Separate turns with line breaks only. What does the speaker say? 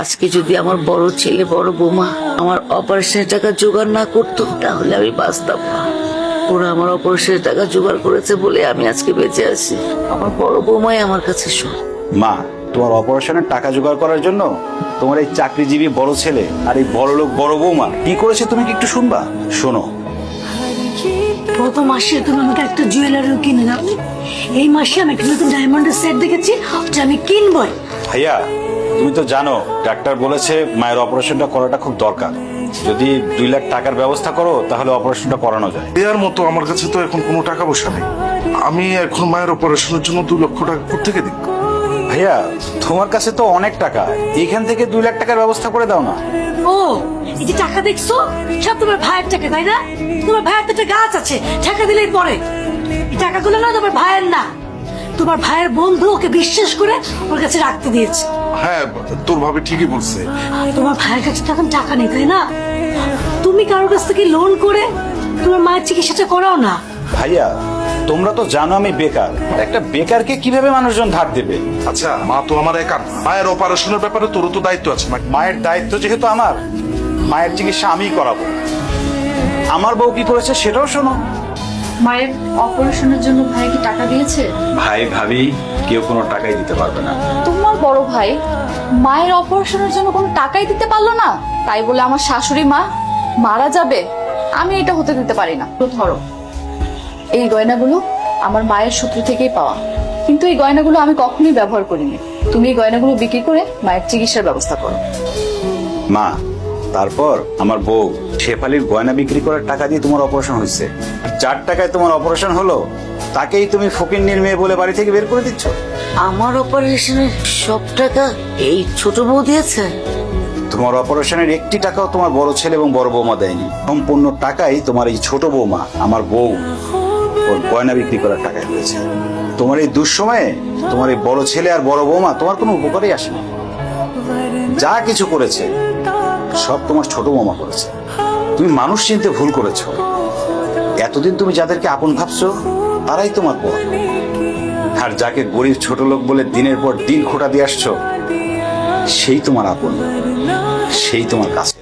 আজকে যদি আমার বড় ছেলে বড় বৌমা আমার অপারেশনের টাকা জোগাড় না করতো তাহলে আমি বাঁচতাম না। ওরা আমার অপারেশনের টাকা জোগাড় করেছে বলে আমি আজকে বেঁচে আছি। আমার বড় বৌমাই আমার কাছে শোন।
মা, তোমার অপারেশনের টাকা জোগাড় করার জন্য তোমার এই চাকরিজীবী বড় ছেলে আর এই বড় লোক বড় বৌমা কি করেছে তুমি কি একটু শুনবা? শোনো।
গত মাসে তুমি আমাকে একটা জুয়েলারিও কিনে দাও। এই মাসে আমি একটা নতুন ডায়মন্ডের সেট দেখেছি, ওটা আমি কিনবই।
ভাইয়া, তুমি তো জানো ডাক্তার বলেছে মায়ের অপারেশনটা করাটা খুব দরকার। যদি 2 লাখ টাকার ব্যবস্থা করো তাহলে অপারেশনটা করানো যায়।
এর মতো আমার কাছে তো এখন কোনো টাকা পয়সা নেই। আমি এখন মায়ের অপারেশনের জন্য 2 লক্ষ টাকা কোত্থেকে দিই?
ভাইয়া, তোমার কাছে তো অনেক টাকা, এখান থেকে 2 লাখ টাকার ব্যবস্থা করে দাও না।
ও, এই যে টাকা দেখছো সব তোমার ভাইয়ের টাকা, তাই না? তোমার ভাইয়ের তো একটা গাছ আছে, টাকা দিলেই পরে। এই টাকাগুলো না তোমার ভাইয়ের না, তোমার ভাইয়ের বন্ধু ওকে বিশ্বাস করে ওর কাছে রাখতে দিয়েছে।
হ্যাঁ, তোর ভাবি ঠিকই বলছে।
তোমার ভাইয়ের কাছে তো এখন টাকা নেই, তাই না? তুমি কারোর কাছ থেকে লোন করে তোমার মায়ের চিকিৎসাটা করাও না।
ভাইয়া, তোমরা তো জানো আমি বেকার। একটা বেকারকে কিভাবে মানুষজন ধার দেবে?
আচ্ছা, মা তো আমার একা না। মায়ের অপারেশনের ব্যাপারে তোরও তো দায়িত্ব আছে।
মায়ের দায়িত্ব যেহেতু আমার, মায়ের চিকিৎসা আমিই করাবো। আমার বউ কি করেছে সেটাও শোনো।
মায়ের অপারেশনের জন্য ভাই কি টাকা দিয়েছে?
ভাই ভাবি কেউ কোনো টাকাই দিতে পারবে না।
তোমার বড় ভাই মায়ের অপারেশনের জন্য কোনো টাকাই দিতে পারলো না, তাই বলে আমার শাশুড়ি মা মারা যাবে? আমি এটা হতে দিতে পারি না। তো ধরো, এই গয়নাগুলো আমার মায়ের সূত্র থেকেই পাওয়া, কিন্তু এই গয়নাগুলো আমি কখনোই ব্যবহার করিনি। তুমি এই গয়নাগুলো বিক্রি করে মায়ের চিকিৎসার ব্যবস্থা করো।
মা, তারপর আমার বউ শেফালির গয়না বিক্রি করার টাকা দিয়ে তোমার অপারেশন হয়েছে। 4 টাকায় তোমার অপারেশন হলো, তাকেই তুমি ফকিন্নির মেয়ে বলে বাড়ি থেকে বের করে দিচ্ছ।
আমার অপারেশনের সব টাকা এই ছোট বউ দিয়েছে।
তোমার অপারেশনের 1টি টাকাও তোমার বড় ছেলে এবং বড় বৌমা দেয়নি। সম্পূর্ণ টাকাই তোমার এই ছোট বৌমা আমার বউ ওর গয়না বিক্রি করার টাকায় হয়েছে। তোমার এই দুঃসময়ে তোমার এই বড় ছেলে আর বড় বৌমা তোমার কোনো উপকারেই আসেনি। যা কিছু করেছে সব তোমার ছোট বৌমা করেছে। তুমি মানুষ চিনতে ভুল করেছো। এতদিন তুমি যাদেরকে আপন ভাবছো তারাই তোমার পর, আর যাকে গরিব ছোট লোক বলে দিনের পর দিন খোটা দিয়ে আসছো সেই তোমার আপন, সেই তোমার কাছে।